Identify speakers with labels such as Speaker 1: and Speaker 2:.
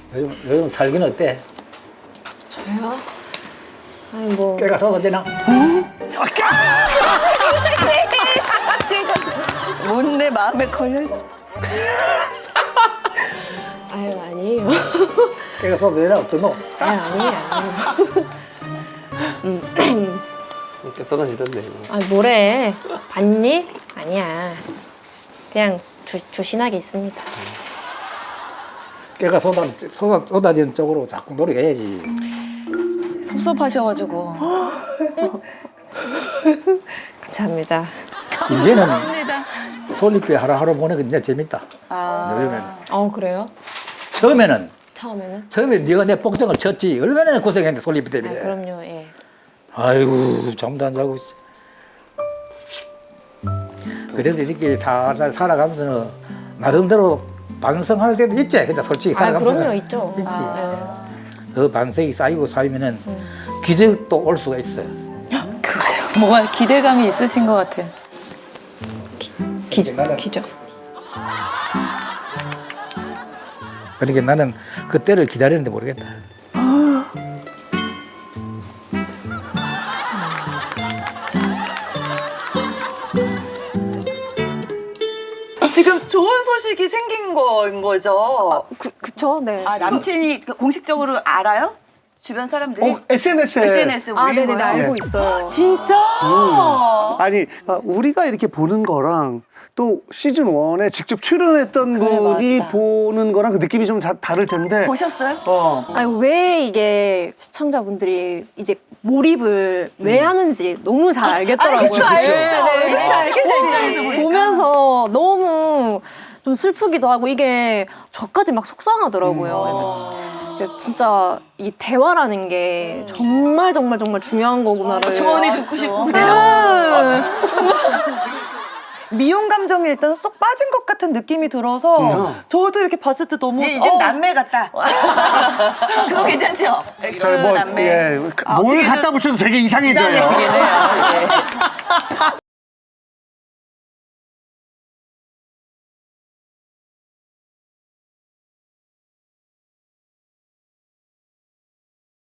Speaker 1: 요즘 살기는 어때?
Speaker 2: 저요? 아니 뭐
Speaker 1: 깨가 쏟아지나?
Speaker 3: 뭔내 마음에 걸려있지.
Speaker 2: 아유 아니에요.
Speaker 1: 깨가 쏟아지나? 어떠노?
Speaker 2: 아니에요.
Speaker 4: 이렇게 쏟아지던데.
Speaker 2: 아 뭐래? 봤니? 아니야. 그냥 조신하게 있습니다.
Speaker 1: 깨가 쏟아지는 쪽으로 자꾸 노력해야지.
Speaker 3: 섭섭하셔가지고.
Speaker 2: 감사합니다.
Speaker 1: 이제는
Speaker 3: 감사합니다.
Speaker 1: 솔잎에 하루하루 보내기 진짜 재밌다.
Speaker 3: 아.
Speaker 1: 요즘에는.
Speaker 2: 그래요?
Speaker 1: 처음에
Speaker 2: 처음에는?
Speaker 1: 네가 내 복장을 쳤지. 얼마나 고생했는데 솔잎
Speaker 2: 아
Speaker 1: 때문에.
Speaker 2: 그럼요. 예.
Speaker 1: 아이고 잠도 안 자고 있어. 그래도 이렇게 살살 살아가면서는 나름대로 반성할 때도 있지. 그죠? 솔직히
Speaker 2: 아
Speaker 1: 살아가면서.
Speaker 2: 그럼요 있죠.
Speaker 1: 있지.
Speaker 2: 아,
Speaker 1: 그 반성이 쌓이면은 기적도 올 수가 있어요.
Speaker 3: 그래요. 뭔가 기대감이 있으신 것 같아.
Speaker 2: 기적.
Speaker 1: 그러니까 나는 그 때를 기다리는데 모르겠다.
Speaker 3: 지금 좋은 소식이 생긴 거인 거죠?
Speaker 2: 그쵸? 네.
Speaker 3: 아, 남친이 공식적으로 알아요? 주변 사람들이?
Speaker 5: SNS에
Speaker 3: SNS에
Speaker 2: 아
Speaker 3: 올린
Speaker 2: 네네
Speaker 3: 거예요?
Speaker 2: 알고 있어요.
Speaker 3: 진짜?
Speaker 5: 아니 우리가 이렇게 보는 거랑 또 시즌 1에 직접 출연했던
Speaker 3: 그래,
Speaker 5: 분이
Speaker 3: 맞다.
Speaker 5: 보는 거랑 그 느낌이 좀 다를 텐데.
Speaker 3: 보셨어요?
Speaker 2: 아니 왜 이게 시청자분들이 이제 몰입을 왜 하는지 너무 잘 알겠더라고요.
Speaker 3: 알겠죠, 알겠죠.
Speaker 2: 네, 네.
Speaker 3: 알겠죠, 입장에서 보니까.
Speaker 2: 보면서 너무 좀 슬프기도 하고 이게 저까지 막 속상하더라고요. 진짜 이 대화라는 게 정말 중요한 거구나를.
Speaker 3: 조언해 주고 싶고 그래요.
Speaker 2: 아,
Speaker 6: 미용 감정이 일단 쏙 빠진 것 같은 느낌이 들어서 저도 이렇게 봤을 때 너무
Speaker 3: 이제 남매 같다. 그거 괜찮죠? 엑스
Speaker 5: 저희
Speaker 3: 남매.
Speaker 5: 뭘 갖다 붙여도 되게 이상해져요.
Speaker 3: 이상하긴 해요. 예.